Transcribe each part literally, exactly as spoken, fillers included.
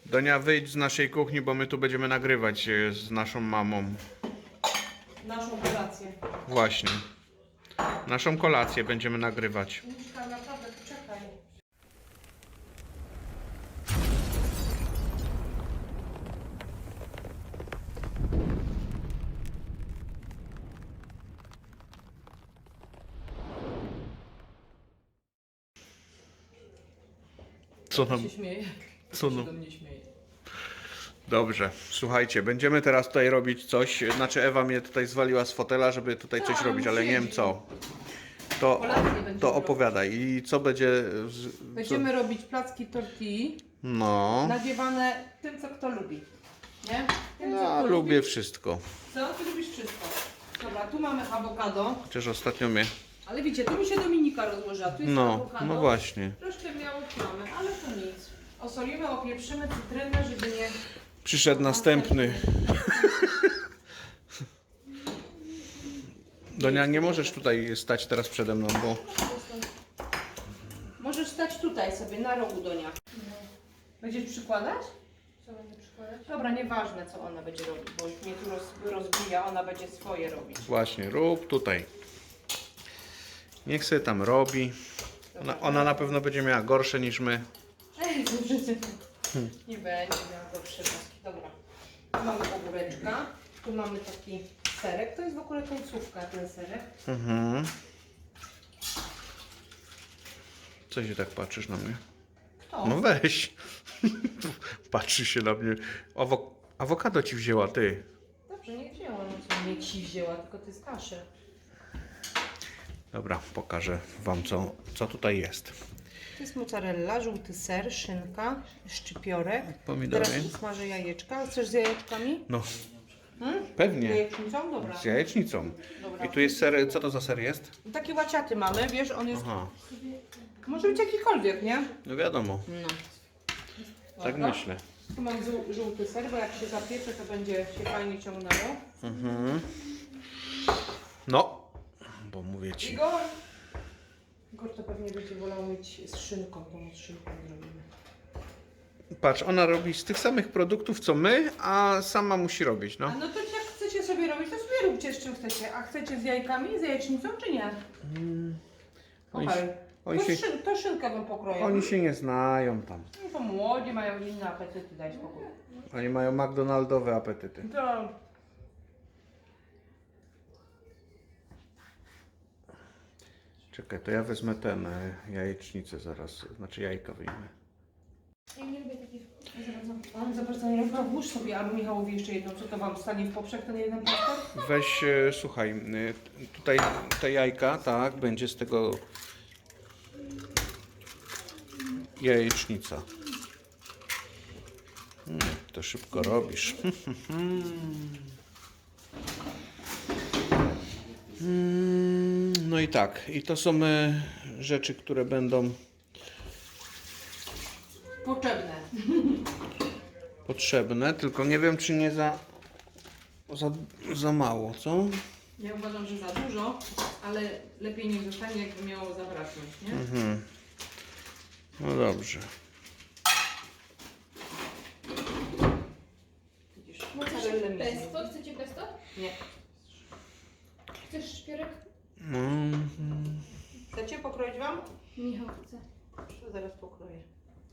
Donia, wyjdź z naszej kuchni, bo my tu będziemy nagrywać e, z naszą mamą. Naszą kolację. Właśnie. Naszą kolację będziemy nagrywać. Miszka, naprawdę, czekaj. Co nam? się śmieje. Co się no? do mnie śmieje. Dobrze, słuchajcie, będziemy teraz tutaj robić coś. Znaczy Ewa mnie tutaj zwaliła z fotela, żeby tutaj coś Tak, robić, ale nie wiem siedzi. co. To, Kolację będziemy to opowiadaj. I co będzie... z- Będziemy robić placki tortilli, No, nadziewane tym, co kto lubi. Nie? Tym, co ja kto lubię lubi. wszystko. Co? Ty lubisz wszystko. Dobra, tu mamy awokado. Chociaż ostatnio mnie... Ale widzicie, tu mi się Dominika rozłożyła. Tu jest No, awokado. no właśnie. Troszkę białych mamy, ale to nic. Osolimy, opieprzymy cytrynę, żeby nie... Przyszedł następny. Donia, nie możesz tutaj stać teraz przede mną, bo... Możesz stać tutaj sobie, na rogu Donia. Będziesz przykładać? Co będę przykładać? Dobra, nieważne co ona będzie robić, bo już mnie tu roz, rozbija, ona będzie swoje robić. Właśnie, rób tutaj. Niech sobie tam robi. Ona, ona na pewno będzie miała gorsze niż my. Nie będzie miała gorsze paski. Dobra. Tu mamy ogóreczka, tu mamy taki serek. To jest w ogóle końcówka, ten serek. Mhm. Co się tak patrzysz na mnie? Kto? No weź. Patrzy się na mnie. Awo awokado ci wzięła, ty. Dobrze, nie wzięła, no co mnie ci wzięła, tylko to jest kaszel. Dobra, pokażę wam co, co tutaj jest. To jest mozzarella, żółty ser, szynka, szczypiorek. Pomidory. Teraz smażę jajeczka. Chcesz z jajeczkami? No, Hmm? pewnie. Jajecznicą? Dobra. Z jajecznicą. Dobra. I tu jest ser, co to za ser jest? Takie łaciaty mamy, wiesz, on jest... Aha, Może być jakikolwiek, nie? no wiadomo, No. tak Dobra. myślę. Tu mam żół- żółty ser, bo jak się zapiecze, to będzie się fajnie ciągnęło. Mhm. No, bo mówię ci. Igor! Igor to pewnie będzie wolał mieć z szynką, to z szynką zrobimy. Patrz, ona robi z tych samych produktów co my, a sama musi robić, A no. no to jak chcecie sobie robić, to sobie róbcie z czym chcecie. A chcecie z jajkami, z jajecznicą, czy nie? Oni Okej. się- oni To, się- szyn, to szynkę bym pokroił. Oni się nie znają tam. No to młodzi, mają inne apetyty, daj spokój. Oni mają McDonaldowe apetyty. To... Czekaj, to ja wezmę ten e, jajecznicę zaraz, znaczy jajka wyjmę. Ja nie lubię takich za bardzo. On za bardzo nie robił. Włóż sobie, albo Michałowi jeszcze jedną, co to wam stanie w poprzek, ten jeden plaster? Weź, e, słuchaj, e, tutaj te jajka, tak, będzie z tego jajecznica. Mm, to szybko robisz. Mm, No i tak, i to są e, rzeczy, które będą Potrzebne. potrzebne, tylko nie wiem, czy nie za, za, za mało, co? Ja uważam, że za dużo, ale lepiej niech zostanie, jakby miało zabraknąć, nie? Mhm. No dobrze. Widzisz, mozzarellę mi Pesto? zjemy. Chcecie pesto? Nie. Chcesz szpierek? No, mhm. Chcecie pokroić wam? Michał chce. To zaraz pokroję.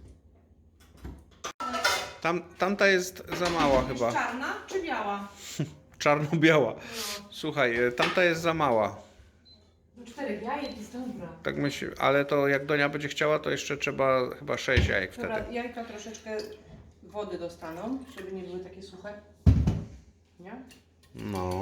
Tam, tamta jest za mała chyba. Jest czarna czy biała? Czarno-biała. No. Słuchaj, e, tamta jest za mała. No czterech jajek jest dobra. Tak myślę, ale to jak Donia będzie chciała, to jeszcze trzeba chyba sześć jajek wtedy. Dobra, jajka troszeczkę wody dostaną, żeby nie były takie suche. Nie? No.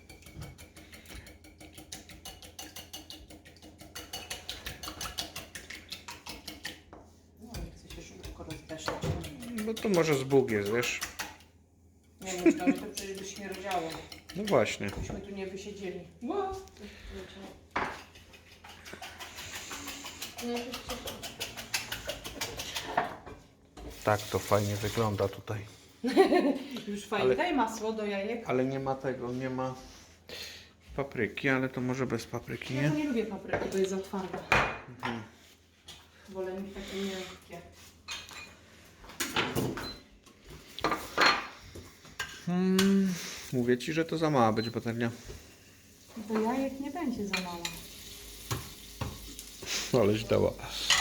No nie chcę się szybko rozdeszać. No to może z Bóg jest, wiesz? Nie myślałam, że to przecież by się nie rodziało. No właśnie. Byśmy tu nie wysiedzieli. Wow. No ja się cieszę. Tak to fajnie wygląda tutaj. Już fajnie. Ale- Daj masło do jajek. Ale nie ma tego, nie ma papryki, ale to może bez papryki, Ja nie? to nie lubię papryki, bo jest za twarda. Wolę mieć takie miękkie. Hmm, mówię ci, że to za mała będzie patelnia. Bo jajek nie będzie za mało. Aleś dała.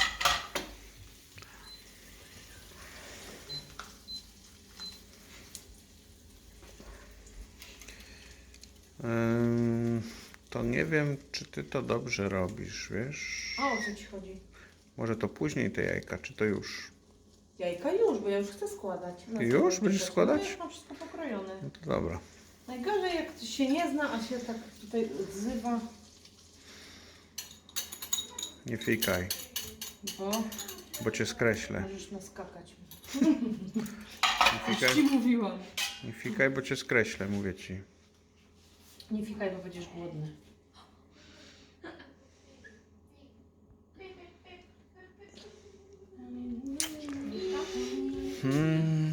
Ym, to nie wiem, czy ty to dobrze robisz, wiesz? A o co ci chodzi? Może to później te jajka, czy to już? Jajka już, bo ja już chcę składać. No, Już co będziesz będziesz składać? No, już mam wszystko pokrojone. No to dobra. Najgorzej jak ktoś się nie zna, a się tak tutaj odzywa, Nie fikaj, bo bo cię skreślę. możesz naskakać. Nie Już ci fikaj, mówiłam. nie fikaj, bo cię skreślę, mówię ci. Nie fikaj, bo będziesz głodny. Hmm.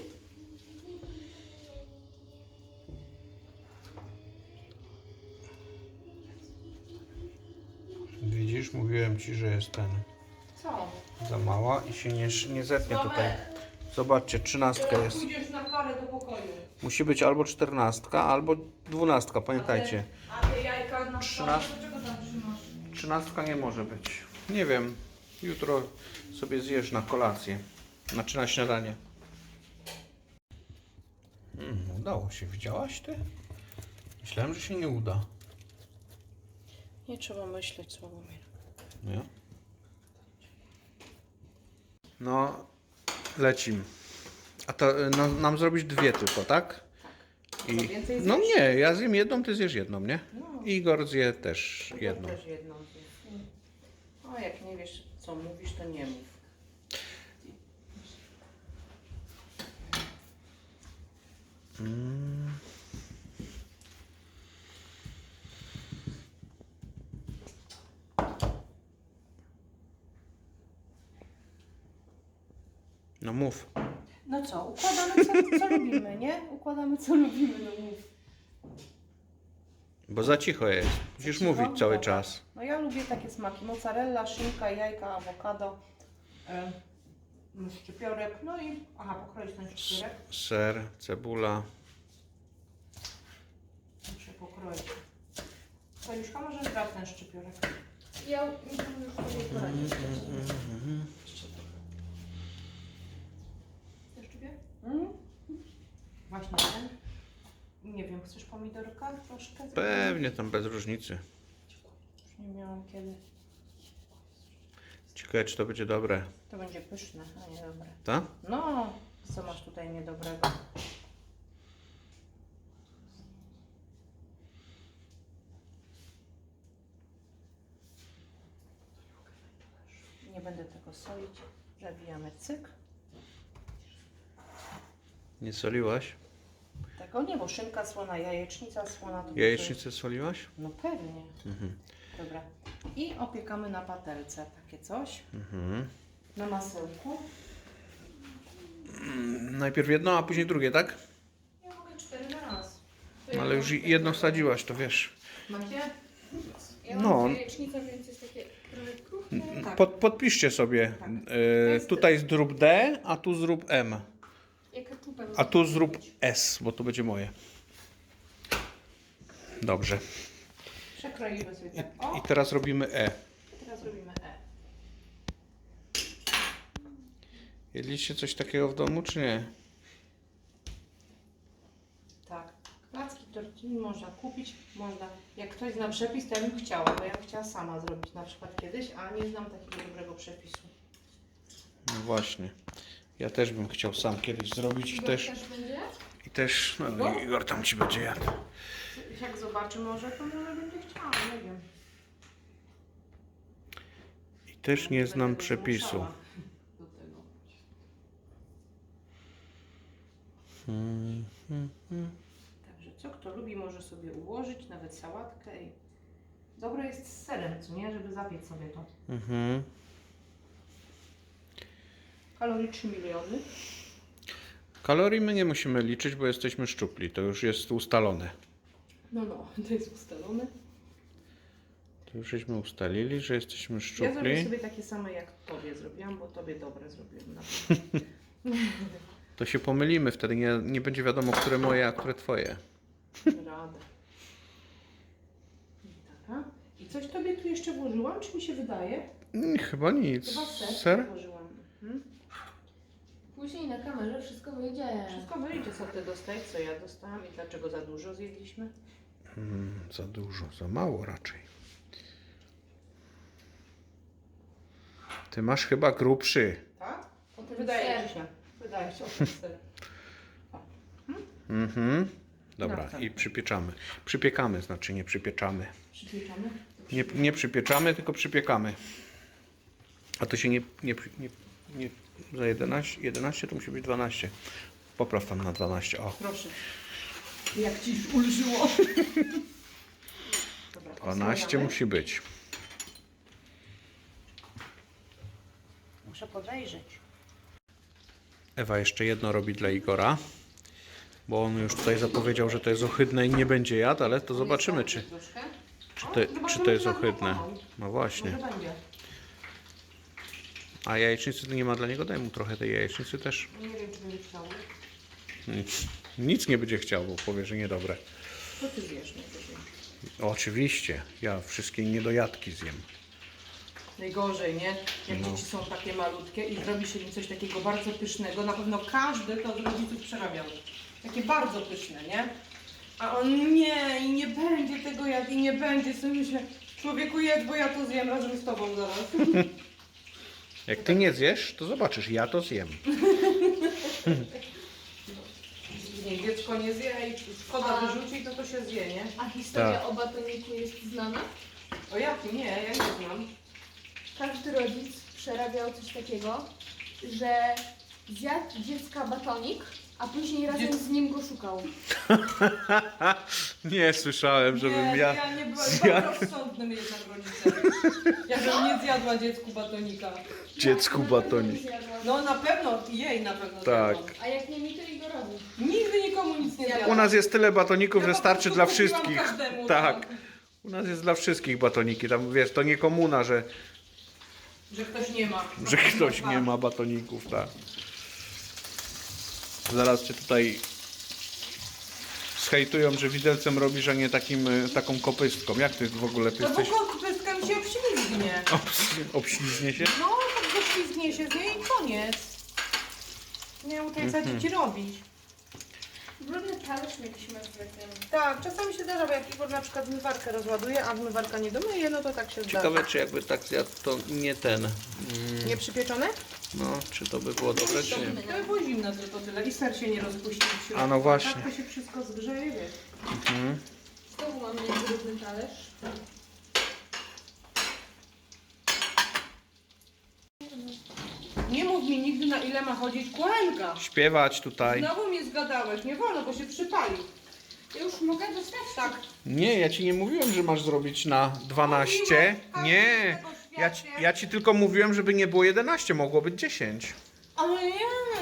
Widzisz, mówiłem ci, że jest ten Co? za mała i się nie, nie zetnie tutaj. Zobaczcie, trzynastka jest. Pójdziesz na karę do pokoju. Musi być albo czternastka, albo dwunastka, pamiętajcie. A te jajka na Trzynast- stole, dlaczego tam trzymasz? Trzynastka nie może być. Nie wiem, jutro sobie zjesz na kolację. Znaczy na śniadanie. Mm, udało się, widziałaś ty? Myślałem, że się nie uda. Nie trzeba myśleć, Sławomir. Nie? No, lecim. A to y, no, nam zrobić dwie tylko, tak? Co, więcej No zjesz? nie, ja zjem jedną, ty zjesz jedną, nie? No. Igor zje też Ja jedną. też jedną zjem. O, jak nie wiesz, co mówisz, to nie mów. Mm. No mów. No co, układamy co, co lubimy, nie? Układamy co lubimy, no mów. Bo za cicho jest. Musisz cicho? mówić cały Dobra. czas. No ja lubię takie smaki. Mozzarella, szynka, jajka, awokado, yy, szczypiorek, no i... Aha, pokroić ten szczypiorek. Ser, cebula. Muszę pokroić. Koniuszka, może brać ten szczypiorek. Ja mi tam już sobie poradzić. Chcesz czubie? Mm. Właśnie ten. Nie wiem, chcesz pomidorka troszkę? Pewnie tam bez różnicy. Już nie miałam kiedy. Ciekawe, czy to będzie dobre. To będzie pyszne, a nie dobre. Tak? No, co masz tutaj niedobrego? Nie będę tego solić. Zabijamy cyk. Nie soliłaś? Tego nie, bo szynka słona, jajecznica słona. To Jajecznicę soliłaś? No pewnie. Mhm. Dobra. I opiekamy na patelce. Takie coś. Mhm. Na masełku. Najpierw jedno, a później drugie, tak? Ja mogę cztery na raz. To ja Ale już mam- jedno wsadziłaś, to wiesz. Macie? Ja No. mam jajecznicę, więc jest takie trochę kruche. Tak. Pod, podpiszcie sobie. Tak. E, tutaj zrób D, a tu zrób M. Jak keczupem. A tu zrób S, bo to będzie moje. Dobrze. Przekroimy sobie tak. O, I teraz robimy E. teraz robimy E. Jedliście coś takiego w domu, czy nie? Tak. Placki tortilli można kupić, można. Jak ktoś zna przepis, to ja bym chciała, bo ja bym chciała sama zrobić na przykład kiedyś, a nie znam takiego dobrego przepisu. No właśnie. Ja też bym chciał sam kiedyś zrobić i Igor też, też będzie? i też, no Igor tam ci będzie jadł. Jak zobaczy może, to może będzie chciała, nie wiem. I też nie Będę znam go przepisu. zmuszała do tego. Hmm, hmm, hmm. Także co kto lubi, może sobie ułożyć, nawet sałatkę. I... Dobre jest z serem, co nie? Żeby zapiec sobie to. Mhm. Kalorii trzy miliony. Kalorii my nie musimy liczyć, bo jesteśmy szczupli. To już jest ustalone. No, no, to jest ustalone. To już żeśmy ustalili, że jesteśmy Ja zrobię szczupli. sobie takie same jak tobie zrobiłam, bo tobie dobre zrobiłam na pewno. To się pomylimy wtedy, nie, nie będzie wiadomo, które moje, a które twoje. Radę. I taka. I coś tobie tu jeszcze włożyłam, czy mi się wydaje? Mm, Chyba nic. Chyba ser, Ser? włożyłam. Mhm. Później na kamerze wszystko wyjdzie. Wszystko wyjdzie, co ty dostałeś, co ja dostałam i dlaczego za dużo zjedliśmy. Mm, za dużo, za mało raczej. Ty masz chyba grubszy. Tak? Potem Wydaje ser. ci się. Wydaje się, że ser. Mhm. Dobra, No tak. i przypieczamy. Przypiekamy, znaczy nie przypieczamy. Przypieczamy? Nie, nie przypieczamy, tylko przypiekamy. A to się nie, nie, nie, nie za jedenaście, jedenaście to musi być dwanaście. Popraw tam na dwanaście. O, Proszę. Jak ci już ulżyło. Dobra, dwanaście osłaniamy. musi być. Muszę podejrzeć. Ewa jeszcze jedno robi dla Igora, bo on już tutaj zapowiedział, że to jest ohydne i nie będzie jadł, ale to zobaczymy, czy, Troszkę? czy, O, to, czy zobaczymy, to jest czy nam ohydne. pomogą. No właśnie. Może będzie. A jajecznicy to nie ma dla niego, daj mu trochę tej jajecznicy też. Nie wiem, czy będzie chciał. Nic, nic nie będzie chciał, bo powie, że niedobre. Co ty zjesz najwyżej? Oczywiście, ja wszystkie niedojadki zjem. Najgorzej, nie? Jak No. dzieci są takie malutkie i zrobi się im coś takiego bardzo pysznego, na pewno każdy to od rodziców przerabiał. Takie bardzo pyszne, nie? A on nie, i nie będzie tego jadł, i nie będzie. Sobie myślę, człowieku jedz, bo ja to zjem razem z tobą zaraz. Jak ty nie zjesz, to zobaczysz, ja to zjem. Nie, dziecko nie zje i szkoda A- wyrzuci, to to się zje, nie? A historia Tak. o batoniku jest znana? O jakim? Nie, ja nie znam. Każdy rodzic przerabiał coś takiego, że zjadł dziecka batonik, a później razem Dziec- z nim go szukał. Nie słyszałem, żebym nie, ja... ja nie byłam zjadł- bardzo rozsądnym jednak rodzicem. Ja bym nie zjadła dziecku batonika. Dziecku Ja na pewno batonik. nie zjadłam. No na pewno, jej na pewno Tak. zjadłam. A jak nie mi, to Igorowi. Nigdy nikomu nic nie zjadłam. U nas jest tyle batoników, Ja że po starczy prostu dla kupiłam wszystkich. każdemu, Tak. U nas jest dla wszystkich batoniki. Tam wiesz, to nie komuna, że, Że ktoś nie ma. że ktoś nie ma batoników, tak. Zaraz cię tutaj zhejtują, że widelcem robisz, a nie takim, y, taką kopystką. Jak ty w ogóle, ty To bo jesteś... kopystka mi się obślizgnie. Obs- Obślizgnie się? No, tak ześlizgnie się z niej i koniec. Nie wiem, tutaj co ci robić. Brudny talerz jakiś masz zwykłym. Tak, czasami się zdarza, bo jak Igor na przykład zmywarkę rozładuje, a zmywarka nie domyje, no to tak się Ciekawe, zdarza. czy jakby tak zjadł, to nie ten. Mm, Nie przypieczone? no, czy to by było dobre, czy nie? To by było zimne tylko tyle i ser się nie rozpuścił w środku. A no właśnie. Tak to się wszystko zgrzeje, wiesz. Mhm. Znowu mam brudny talerz. Nie mów mi nigdy, na ile ma chodzić kłęga. Śpiewać tutaj. Znowu mnie zgadałeś, nie wolno, bo się przypali. Ja już mogę dostać? Tak. Nie, ja ci nie mówiłem, że masz zrobić na dwanaście. Nie, ja ci, ja ci tylko mówiłem, żeby nie było jedenaście, mogło być dziesięć. Ale nie.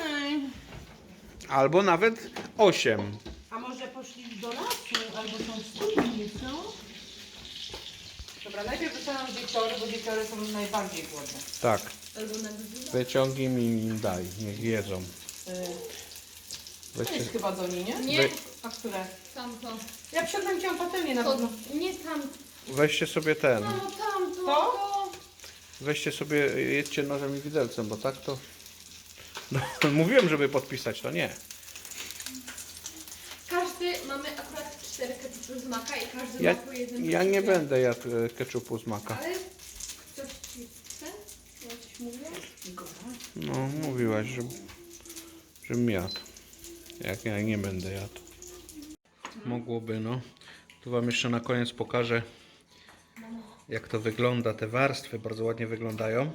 Albo nawet osiem. A może poszli do lasu, albo są w studni, co? Dobra, najpierw dostaną dzieciory, bo dzieciory są najbardziej głodne. Tak, Albo na godzinę. wyciągnij mi im daj, niech jedzą. Yy, to Weźcie, jest chyba do niej, nie? Nie, Wy- A które? tamto. Ja przedtem cię patelnię na To, pewno. nie tamto. weźcie sobie ten, Mamo, tamto. To? To? weźcie sobie, jedźcie nożem i widelcem, bo tak to... No, mówiłem, żeby podpisać, to nie. Każdy, mamy akurat cztery ketchupy z maka i każdy Ja, ma po jednym ja nie ketchupie. będę jadł e, ketchupu z maka. Ale ktoś ci chce? Ja coś mówię? No, mówiłaś, że, żebym jadł. Jak ja nie będę jadł. Mogłoby, no. Tu wam jeszcze na koniec pokażę, jak to wygląda. Te warstwy bardzo ładnie wyglądają.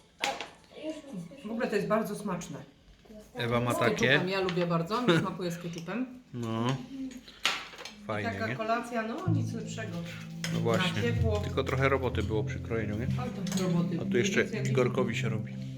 W ogóle to jest bardzo smaczne. Ewa ma Z takie. ketchupem, ja lubię bardzo, mi smakuje z ketchupem. No. Fajnie, Taka nie? kolacja, no nic lepszego. No właśnie. Na ciepło. Tylko trochę roboty było przy krojeniu, nie? Ale to roboty. A tu jeszcze Nic, jak- Igorkowi się robi.